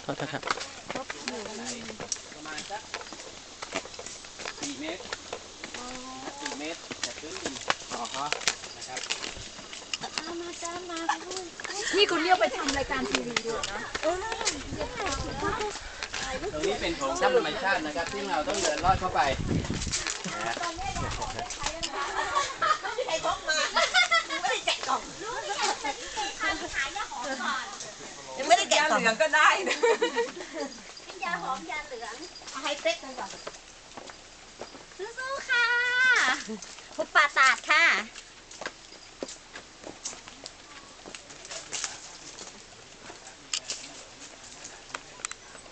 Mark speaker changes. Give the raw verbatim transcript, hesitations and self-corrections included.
Speaker 1: โทษครับ
Speaker 2: ประมาณสักสี่เมตรสี่เมตรจากพื้นดินอ๋อนะครับ
Speaker 3: นี่คุณเรียกไปทำรายการทีวีด้วยนะ
Speaker 2: ตรงนี้เป็นโถงถ้ำธรรมชาตินะครับที่เราต้องเดินลอดเข้าไปนะ
Speaker 4: ใครพกมาไม่ได้แกะกล่องยังไม่ได้แกะกล่องเหลืองก็ได้นะยาหอมยาเหลืองให้เป๊กกันก่อนสู้ๆค่ะพุปปาตาดค่ะ